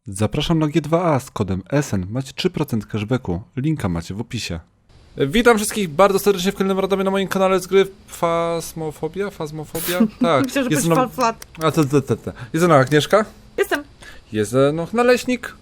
Zapraszam na G2A z kodem SN. Macie 3% cashbacku. Linka macie w opisie. Witam wszystkich bardzo serdecznie w kolejnym radomie na moim kanale z gry Phasmophobia? Tak. Myślę, że jest byś flat. Jest ze mną Agnieszka. Jestem. Jest ze mną Naleśnik.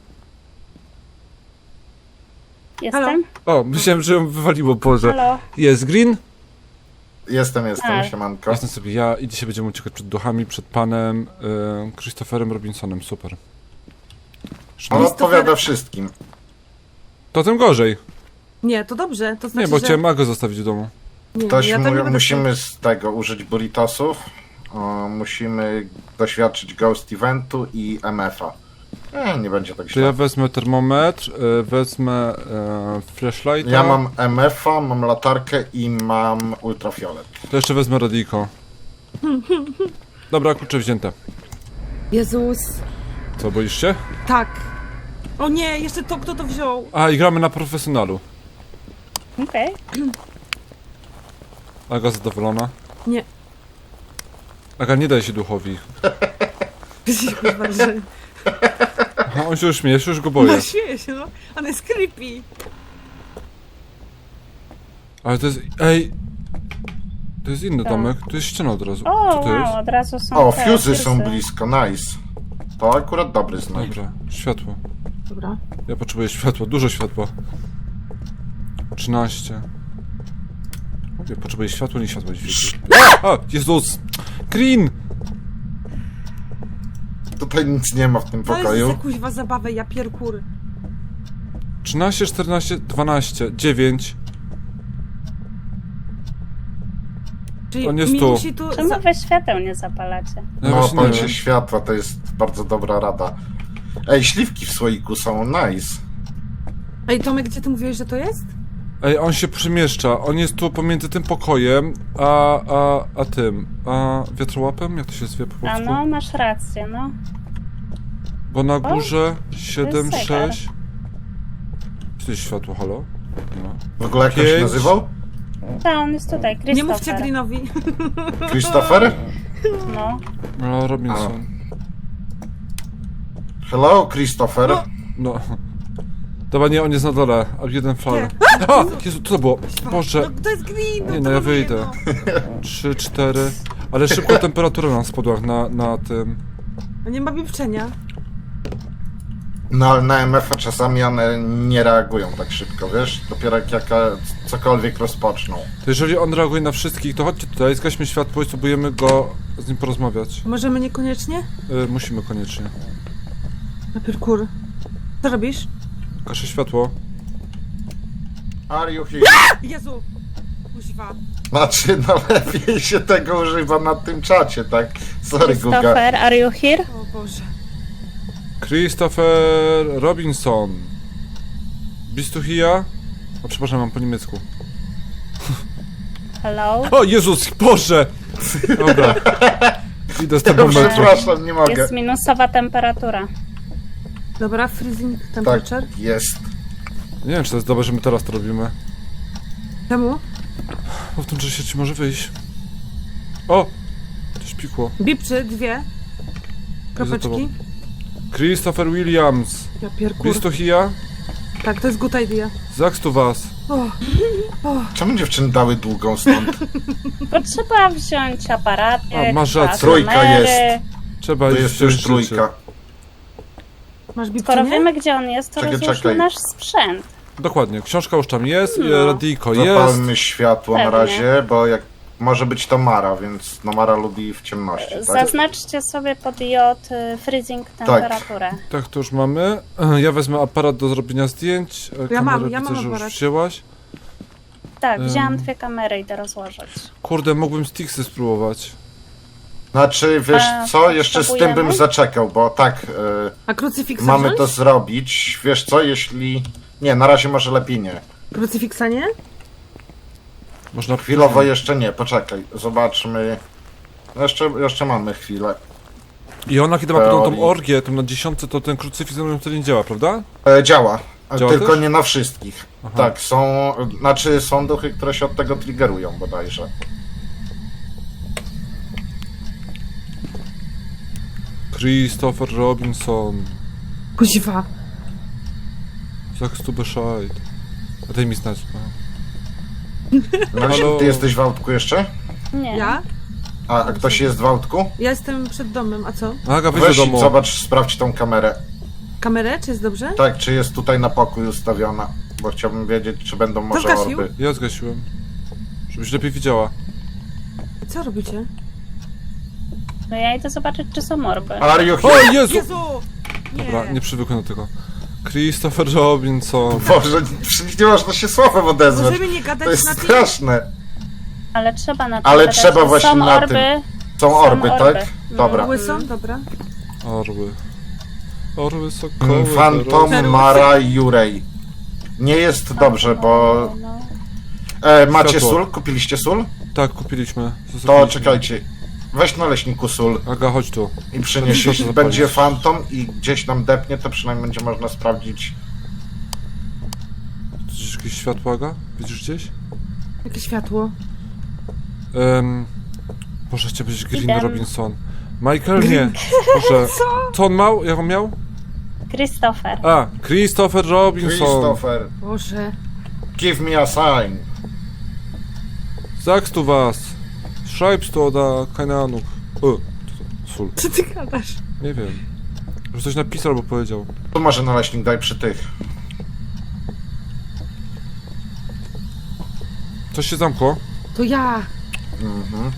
Jestem? O, myślałem, że ją wywaliło, Boże. Halo? Jest Green. Jestem, Tak. siemanko. Jestem sobie ja i dzisiaj będziemy uciekać przed duchami, przed panem Christopherem Robinsonem. Super. On odpowiada wszystkim. To tym gorzej. Nie, to dobrze, to znaczy, Nie, bo że... chciałem go zostawić w domu. Nie, Ktoś ja to nie będę musimy z tego użyć burritosów. Musimy doświadczyć Ghost Eventu i MF-a. Nie będzie tak To ja źle. wezmę termometr, wezmę flashlighta. Ja mam MF-a, mam latarkę i mam ultrafiolet. To jeszcze wezmę radyjko. Dobra, klucze wzięte. Jezus. Co, boisz się? Tak. O nie, jeszcze to, kto to wziął? A, i gramy na profesjonalu. Okej. Aga zadowolona? Nie. Aga, nie daj się duchowi. Kurwa, że... Aha, on się już śmieje, już go boję. No śmieję się, no. On jest creepy. Ale to jest... Ej! To jest inny Tak. domek, tu jest ściana od razu. O, Co to jest? wow, od razu są O, te fuzy są fusy. blisko, nice. To akurat dobry znak. Dobra, światło. Dobra. Ja potrzebuję światła, dużo światła. 13. Mówię, potrzebuję światła, nie światła dźwięku. A! Jezus! Green! Tutaj nic nie ma w tym To jest pokoju. za kuźwa zabawę, ja pierkur. 13, 14, 12, 9. Czyli On jest mi tu. musi tu... Czemu wy świateł nie zapalacie? Ja No, właśnie nie palcie wiem. światła, to jest bardzo dobra rada. Ej, śliwki w słoiku są, nice. Ej, Tomek, gdzie ty mówiłeś, że to jest? Ej, on się przemieszcza. On jest tu pomiędzy tym pokojem, a tym. A wiatrołapem? Jak to się zwie po A polsku? no, masz rację, no. Bo na górze 7, zegar. 6. Czy to jest światło, halo? No. W ogóle jak on się 5. nazywał? Tak, on jest tutaj, Christopher. Nie mówcie Greenowi. Christopher? No. No, Robinson. Hello, Christopher. No. Dobra, nie, on jest na dole, a jeden fal. A! Jezu, co to było? Boże. No, to jest Green, no Nie, to no ja mówię, wyjdę. no. 3, 4. Ale szybko temperatura nam spadła na tym. A nie ma pieprzenia. No, na MF-a czasami one nie reagują tak szybko, wiesz? Dopiero jak cokolwiek rozpoczną. To jeżeli on reaguje na wszystkich, to chodźcie tutaj, zgaśmy światło i spróbujemy go z nim porozmawiać. Możemy niekoniecznie? Musimy koniecznie. Na pierkur. Co robisz? Gaszę światło. Are you here? Jezu! Kuźwa. Znaczy, no lepiej się tego używa na tym czacie, tak? Sorry, Guga. Christopher, are you here? O Boże. Christopher Robinson. Bist du hier? O, przepraszam, mam po niemiecku. Hello? O, Jezus, Boże! Dobra. Idę z tego momentu. Przepraszam, nie mogę. Jest minusowa temperatura. Dobra, freezing Tak, temperature. jest. Nie wiem, czy to jest dobre, że my teraz to robimy. Czemu? Bo w tym czasie ci może wyjść. O! Coś pikło. Bipczy, 2 kropeczki. Christopher Williams. Ja pierkur. Bist du hier? Tak, to jest good idea. Sagst du was? O, Czemu dziewczyny dały długą stąd? Bo trzeba wziąć aparaty, A, masz rację. Trójka jest. Trzeba To iść jest już wziąć rzeczy. trójka. masz Skoro bipczenie? wiemy, gdzie on jest, to Czekaj, rozłóżmy czekaj. nasz sprzęt. Dokładnie, książka już tam jest, No. radyjko jest. Zapalmy światło na Pewnie. razie, bo jak może być to Mara, więc no Mara lubi w ciemności, tak? Zaznaczcie sobie pod J freezing temperaturę. Tak, to już mamy. Ja wezmę aparat do zrobienia zdjęć. Ja mam Widzę, że już aparat. wzięłaś. Tak, wzięłam 2 kamery, idę rozłożyć. Kurde, mógłbym sticksy spróbować. Znaczy, wiesz A, co, jeszcze z tym potrzebujemy? bym zaczekał, bo tak, A krucyfiksa mamy wziąć? to zrobić. Wiesz co, jeśli... Nie, na razie może lepiej nie. Krucyfiksa nie? Można Chwilowo jeszcze nie, poczekaj, zobaczmy. Jeszcze mamy chwilę. I ona, kiedy ma potem tą Teorii. orgię, tam na 10, to ten krucyfiks wtedy nie działa, prawda? Działa, Działa tylko też? nie na wszystkich. Aha. Tak, są duchy, które się od tego triggerują bodajże. Christopher Robinson. Kuźwa. Sagst du Bescheid. A daj mi znać. No, Halo? ty jesteś w autku jeszcze? Nie. Ja? A ktoś jest w autku? Ja jestem przed domem, a co? Aga, wyjdź Weź do i domu. zobacz, sprawdź tą kamerę. Kamerę, czy jest dobrze? Tak, czy jest tutaj na pokój ustawiona? Bo chciałbym wiedzieć, czy będą może zgasił? orby. Ja zgasiłem. Żebyś lepiej widziała. Co robicie? No ja idę zobaczyć, czy są orby. Are you O here? Jezu! Jezu! Nie. Dobra, nie przywykłem do tego. Christopher Robinson. Boże, przecież nie można się słowem odezwać. Możemy nie gadać To jest na tym? straszne. Ale trzeba na tym Ale gadać, trzeba że właśnie są na orby. tym. Są orby, tak? Dobra. Łysą? Dobra. Orły. Orły sokoły. Phantom zarozy. Mara Jurej. Nie jest dobrze, bo... No. macie Światło. sól? Kupiliście sól? Tak, kupiliśmy. To Zostawiliśmy. czekajcie. Weź na leśniku sól Aga, chodź tu. i przynieś. To Jeśli zapalić. będzie Phantom i gdzieś nam depnie, to przynajmniej będzie można sprawdzić. Widzisz jakieś światło, Aga? Widzisz gdzieś? Jakie światło? Boże, chciał być Green Idę. Robinson. Michael? Nie. Boże. Co on miał? Jak on miał? Christopher. A, Christopher Robinson. Christopher, Boże. give me a sign. Sagst du was? Schreibst du oder keine Ahnung. Sól. Co ty gadasz? Nie wiem. Że coś napisał albo powiedział. Tu może naleśnik daj przy tych. Coś się zamkło? To ja. Mhm.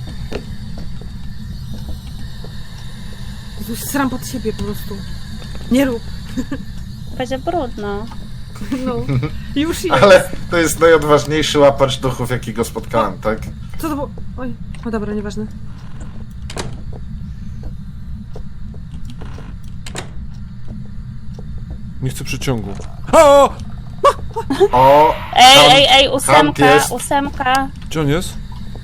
Jezus, sram pod siebie po prostu. Nie rób. Będzie brudno. No. Już jest. Ale to jest najodważniejszy łapacz duchów, jakiego spotkałem, tak? Co to było? Oj. O dobra, nieważne. Nie chcę przyciągu. O! O! Ej, Hunt ósemka, jest. ósemka. Gdzie on jest?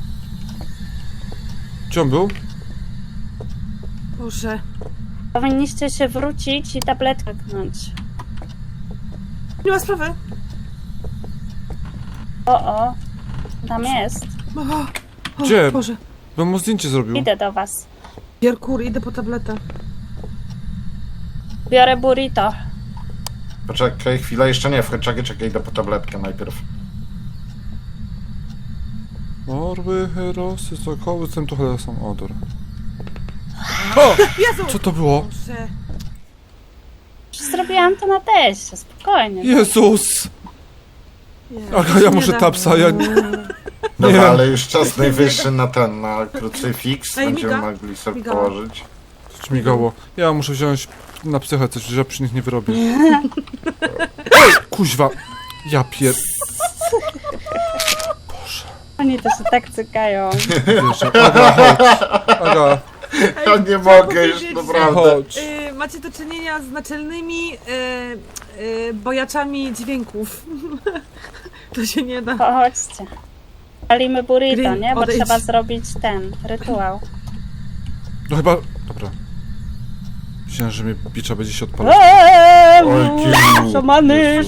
Gdzie on był? Boże. Powinniście się wrócić i tabletkę tknąć. Nie ma sprawy. O, tam jest. O, Gdzie? Boże. Bym mu zdjęcie zrobił. Idę do was. Pierkur, idę po tabletę. Biorę burrito. Poczekaj chwilę, jeszcze nie, czekaj, idę po tabletkę najpierw. Orły, herosy, sokoły, centuchele są odor. O! Jezu! Co to było? Boże. Zrobiłam to na teście, spokojnie. Jezus! Jezu, Aga, ja nie muszę da. tapsa, ja... Dobra, Nie. ale już czas najwyższy na ten, na krucyfiks. Ej, Będziemy miga. mogli sobie Miga. położyć. Coś migało. Ja muszę wziąć na psychę coś, że ja przy nich nie wyrobię. Ej, kuźwa! Ja pier... Oni to się tak cykają. Wiesz, Aga, chodź. Aga, Ja nie chciałam mogę już, powiedzieć, naprawdę. chodź. Macie do czynienia z naczelnymi bojaczami dźwięków. To się nie da. Chodźcie. Palimy burrito, Green, nie? Bo odejdź. trzeba zrobić ten rytuał. No chyba... Dobra. Myślałem, że mnie bicza będzie się odpalać. Oj, Kiru. Szamany,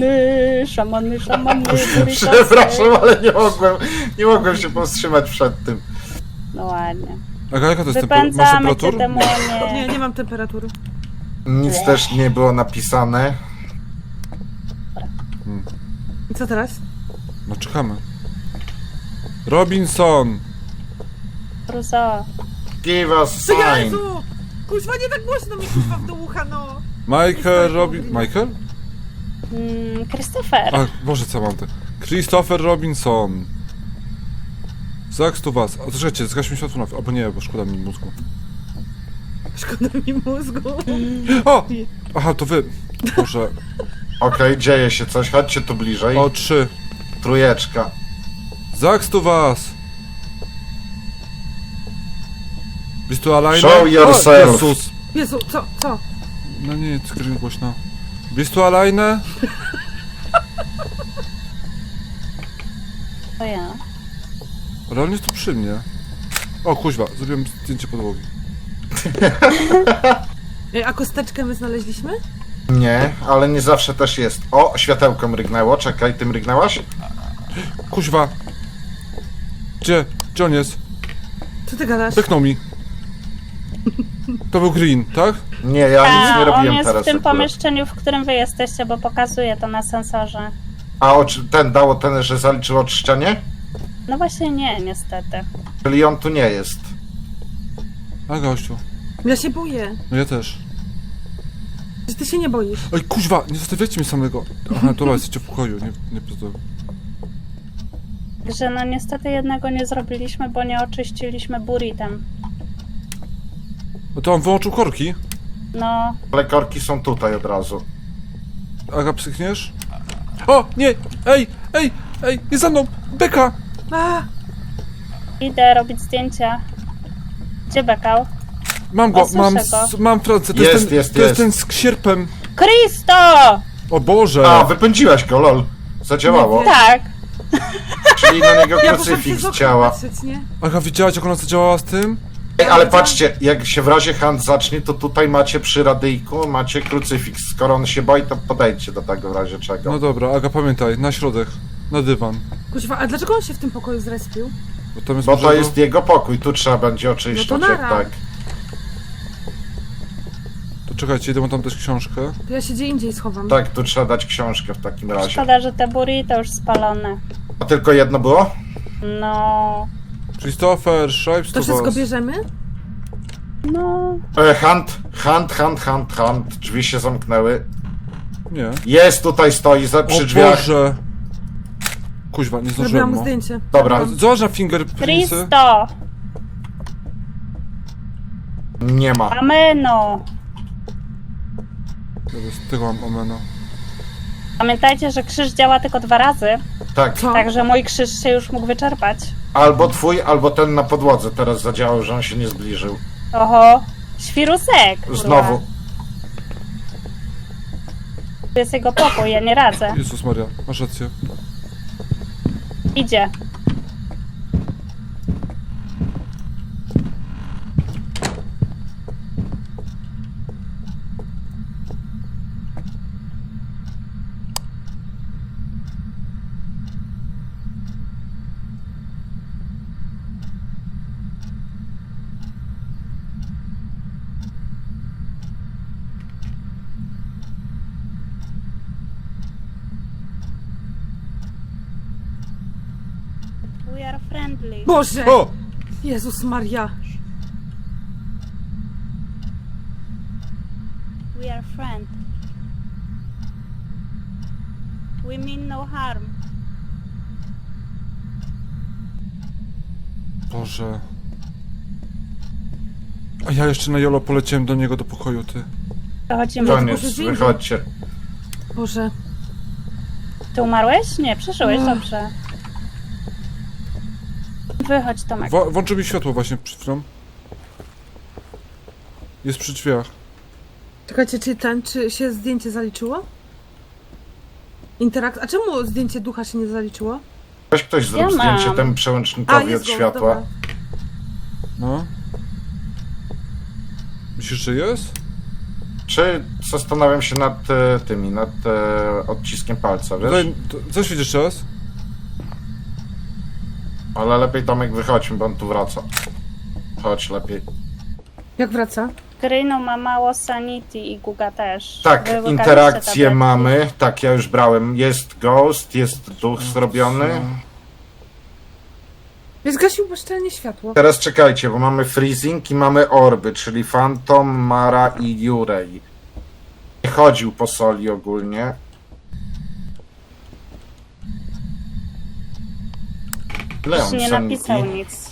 burrito. Przepraszam, ale nie mogłem się powstrzymać przed tym. No ładnie. Aga, jaka to jest temperatura? Masz Wypędzamy cię, temperaturę? demonie. Nie, nie mam temperatury. Nic też nie było napisane. I co teraz? No czekamy. Robinson! Give Ruzo. us sign. Jezu! Kuźwa, nie tak głośno mi kuźwa w do ucha, no! Michael Michael? Christopher. A, Boże, co mam te? Christopher Robinson. Sagst du was? A to czekajcie, zgaśmy światło na... Albo nie, bo szkoda mi mózgu. Szkoda mi mózgu. O! Aha, to wy. Boże. Okej, dzieje się coś, chodźcie tu bliżej. O, 3. Trójeczka. Sagst du was? Bist du alleine? Show yourself. O, Jezus. Jezu, co? No nie, skryń głośno. Bist du alleine? To ja. Ale on jest tu przy mnie. O, kuźwa, zrobiłem zdjęcie podłogi. A kosteczkę my znaleźliśmy? Nie, ale nie zawsze też jest. O, światełko mrygnęło, czekaj, ty mrygnęłaś? Kuźwa. Gdzie? Gdzie on jest? Co ty gadasz? Pyknął mi. To był Green, tak? Nie, ja nic nie on robiłem jest teraz w tym akurat. pomieszczeniu, w którym wy jesteście, bo pokazuje to na sensorze. A ten dało ten, że zaliczył oczyszczenie? No właśnie nie, niestety. Czyli on tu nie jest. A gościu. Ja się boję. No ja też. Że ty się nie boisz. Oj, kuźwa, nie zostawiajcie mnie samego. Aha, dobra, jesteście w pokoju, nie to. Że no niestety jednego nie zrobiliśmy, bo nie oczyściliśmy buritem. No to on wyłączył korki. No, Ale korki są tutaj od razu. Aga, psychniesz? O, nie! Ej! Jest za mną! Beka! A, idę robić zdjęcia. Gdzie bekał? Mam go, O, słyszę go. mam Francję. To Jest, ten, jest, to jest jest. ten z sierpem. Kristo! O Boże! A, wypędziłaś go, lol. Zadziałało. Nie wiem. Tak. Czyli na niego ja poszłam przez krucyfiks okno działa. patrzeć, nie? Aga, widziałaś jak ona zadziałała z tym? Ej, ale patrzcie, jak się w razie hand zacznie, to tutaj macie przy radyjku, macie krucyfiks. Skoro on się boi, to podejdźcie do tego w razie czego. No dobra, Aga, pamiętaj, na środek. Na dywan. Kuźwa, a dlaczego on się w tym pokoju zrespił? Bo tam jest Bo to może jest jego pokój, tu trzeba będzie oczyszczać, No to jak nara. tak. To czekajcie, idę mu tam dać książkę. To ja się gdzie indziej schowam. Tak, tu trzeba dać książkę w takim razie. Szkoda, że te burrito już spalone. A tylko jedno było? No, Christopher, Stripes To wszystko bierzemy? no. Hand. Drzwi się zamknęły. Nie. Jest, tutaj stoi, przy O drzwiach. Boże! Kuźwa, nie zdążyłem Zrobiłam mu mu. zdjęcie. Dobra, Zobacz na fingerprintsy. Kristo! nie ma. Ameno! Z tego mam omena. Pamiętajcie, że krzyż działa tylko 2 razy, Tak, Co? także mój krzyż się już mógł wyczerpać. albo twój, albo ten na podłodze teraz zadziałał, że on się nie zbliżył. Oho, świrusek! kurwa. Znowu. Tu jest jego pokój, ja nie radzę. Jezus Maria, masz rację. Idzie. We are friendly. Boże! O! Jezus Maria. We are friends. We mean no harm. Boże. A ja jeszcze na Jolo poleciałem do niego do pokoju, ty. Dochodzimy. Koniec, tylko, że wychodźcie. Boże. Ty umarłeś? Nie, przeżyłeś, Ech. dobrze. Wychodź, Tomek. Włączył mi światło właśnie przed chwilą. Jest przy drzwiach. Czekajcie, czy się zdjęcie zaliczyło? A czemu zdjęcie ducha się nie zaliczyło? Weź ktoś zrób Ja zdjęcie mam. temu przełącznikowi od go, światła. dobra. No. Myślisz, że jest? Czy zastanawiam się nad nad odciskiem palca, wiesz? Co świecisz teraz? Ale lepiej Tomek wychodźmy, bo on tu wraca. Chodź lepiej. Jak wraca? Grynu ma mało sanity i Guga też. Tak, Wy łykaliście interakcje tabletki. mamy. Tak, ja już brałem. Jest ghost, jest duch zrobiony. Zgasił bezczelnie światło. Teraz czekajcie, bo mamy freezing i mamy orby, czyli Phantom, Mara i Jurej. Nie chodził po soli ogólnie. Ile Już on nie sanity? napisał nic.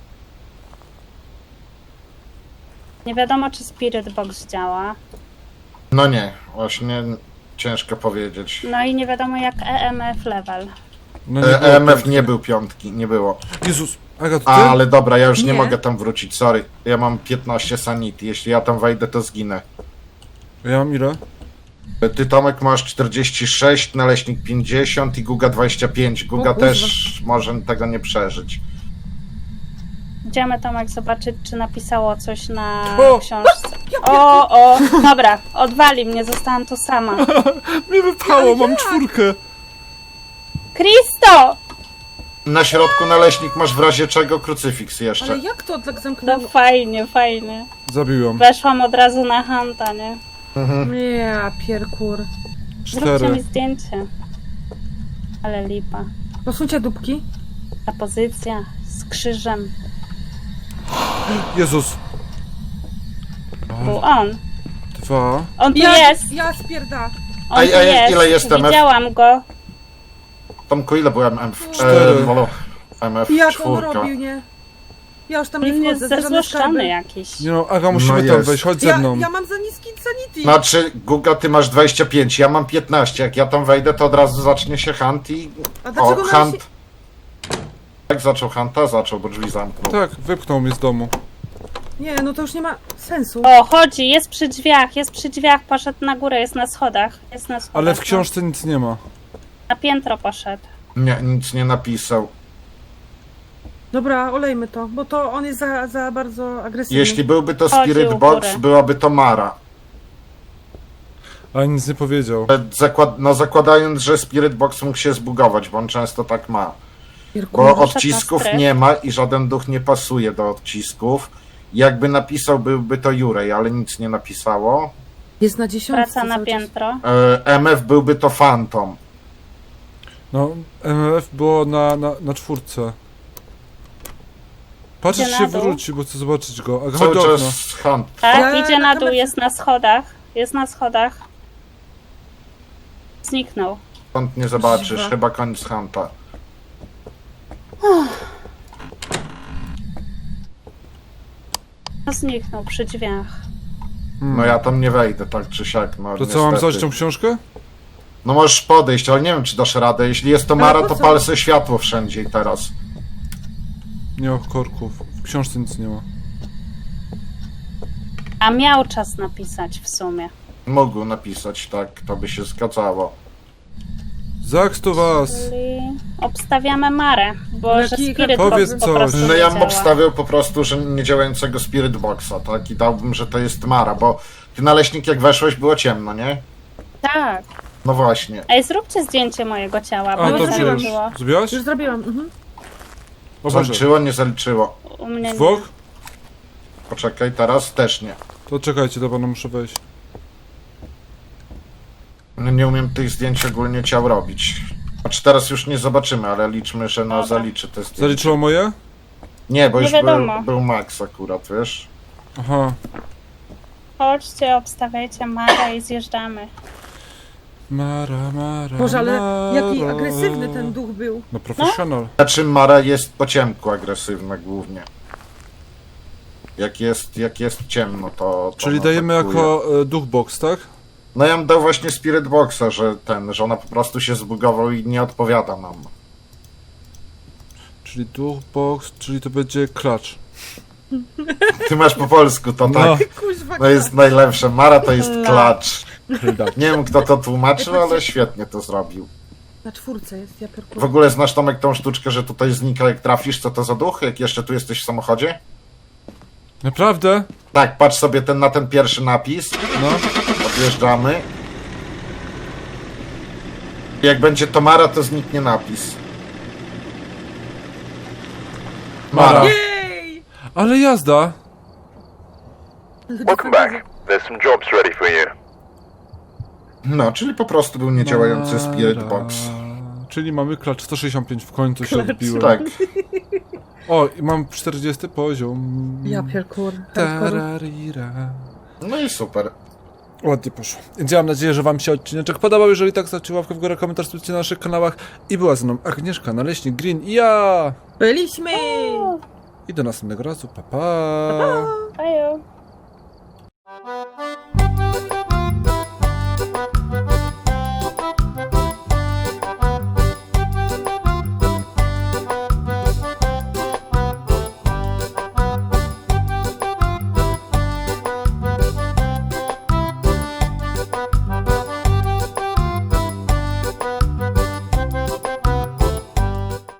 Nie wiadomo, czy Spirit Box działa. No nie, właśnie ciężko powiedzieć. No i nie wiadomo, jak EMF level. No było EMF piątki. nie był piątki, nie było. Jezus, Aga, to ty? Ale dobra, ja już nie Nie. mogę tam wrócić, sorry. Ja mam 15 sanity, jeśli ja tam wejdę, to zginę. Ja mam ile? Ty, Tomek, masz 46, Naleśnik 50 i Guga 25. Guga O kurwa. też może tego nie przeżyć. Idziemy, Tomek, zobaczyć, czy napisało coś na O! książce. O, dobra, odwali mnie, zostałam tu sama. Mnie wypchało, mam 4. Kristo! Na środku naleśnik masz w razie czego krucyfiks jeszcze. Ale jak to tak No zamknęło? fajnie, fajnie. Zabiłem. Weszłam od razu na Hanta, nie? Ja pierkur. Zróbcie 4. mi zdjęcie. Ale lipa. Posuńcie dupki. Ta pozycja z krzyżem. Jezus. Był on. 2. On tu jest! Ja spierda. On A tu ile jest MF? Widziałam go. Tomku, ile byłem MF? 4. MF Jak on 4. robił, nie? Ja już tam nie On jest wchodzę. za żadne zezłoszczony skarby. jakiś. Nie no, Aga, musimy No tam jest. wejść, chodź ze mną. Ja mam za niski sanity. Znaczy, Guga, ty masz 25, ja mam 15. Jak ja tam wejdę, to od razu zacznie się hunt i... A dlaczego hunt. Jak zaczął hunta? Zaczął, bo drzwi zamknął. Tak, wypchnął mnie z domu. Nie, no to już nie ma sensu. O, chodzi, jest przy drzwiach, poszedł na górę, jest na schodach. Jest na schodach. Ale w książce nic nie ma. Na piętro poszedł. Nie, nic nie napisał. Dobra, olejmy to, bo to on jest za bardzo agresywny. Jeśli byłby to Chodzi Spirit u Box, góry. byłaby to Mara. Ale nic nie powiedział. No zakładając, że Spirit Box mógł się zbugować, bo on często tak ma. Pierkur. Bo Poszedł odcisków na strych. nie ma i żaden duch nie pasuje do odcisków. Jakby napisał, byłby to Jurej, ale nic nie napisało. Jest na 10. Wraca na cały czas. piętro. MF byłby to Phantom. No, MF było na 4. Patrzę, Idzie czy się na dół. wróci, bo chcę zobaczyć go. Aga, chodź Cały do okna. czas hunt. Tak, Ja idzie na na dół, kamerce- jest na schodach. Jest na schodach. Zniknął. Stąd nie zobaczysz, Dziwa. chyba koniec hunta. No, zniknął przy drzwiach. No ja tam nie wejdę, tak czy siak. No, To co, mam niestety. założyć tą książkę? No możesz podejść, ale nie wiem, czy dasz radę. Jeśli jest to Ale Mara, po to co? pal se światło wszędzie i teraz. Nie ma korków. W książce nic nie ma. A miał czas napisać w sumie. Mógł napisać, tak, to by się zgadzało. Zaks to was! Czyli obstawiamy Marę, bo że Jaki- Spirit Powiedz Box po coś. prostu No nie ja bym działa. obstawiał po prostu, że niedziałającego Spirit Boxa, tak? I dałbym, że to jest Mara, bo ty naleśnik jak weszłeś było ciemno, nie? Tak. No właśnie. Ej, zróbcie zdjęcie mojego ciała, bo A, mi to zrobiłam. tak przecież. było. Zrobiłaś? Już zrobiłam. Mhm. O Boże. Zaliczyło, nie zaliczyło. U mnie nie. Dwóch? Poczekaj, teraz też nie. To czekajcie, dobra, no muszę wejść. No nie umiem tych zdjęć ogólnie ciał robić. Znaczy teraz już nie zobaczymy, ale liczmy, że no Dobra. zaliczy te zdjęcia. Zaliczyło moje? Nie, bo Nie już wiadomo. był Max akurat, wiesz? Aha. Chodźcie, obstawiajcie Marę i zjeżdżamy. Mara. Boże, ale Mara. jaki agresywny ten duch był. No profesjonal. Znaczy Mara jest po ciemku agresywna głównie. Jak jest ciemno, to Czyli ona dajemy atakuje. jako duch box, tak? No ja bym dał właśnie Spirit Boxa, że ona po prostu się zbugował i nie odpowiada nam. Czyli duch box, czyli to będzie klacz. Ty masz po polsku, to No. tak. Kuźwa, To jest najlepsze. Mara to jest No. klacz. Klacz. Nie wiem kto to tłumaczył, ale świetnie to zrobił. na 4 jest, ja pierkur. W ogóle znasz Tomek tą sztuczkę, że tutaj znika jak trafisz, co to za duch? Jak jeszcze tu jesteś w samochodzie? Naprawdę? Tak, patrz sobie na ten pierwszy napis. No. Odjeżdżamy. Jak będzie to Mara, to zniknie napis. Mara. Jej! Ale jazda! Welcome back. There's some jobs ready for you. No, czyli po prostu był niedziałający Spirit Mara. Box. Czyli mamy klacz 165, w końcu się Klacz. odbiłem. Tak. O, i mam 40 poziom. Ja pierkur. Hardcore. Tararira. No i super. Ładnie poszło. Więc ja mam nadzieję, że wam się odcineczek podobał. Jeżeli tak, zostawcie łapkę w górę, komentarz subskrypcję na naszych kanałach. I była ze mną Agnieszka, Naleśnik, Green i ja. Byliśmy! I do następnego razu. Pa, pa. Pa!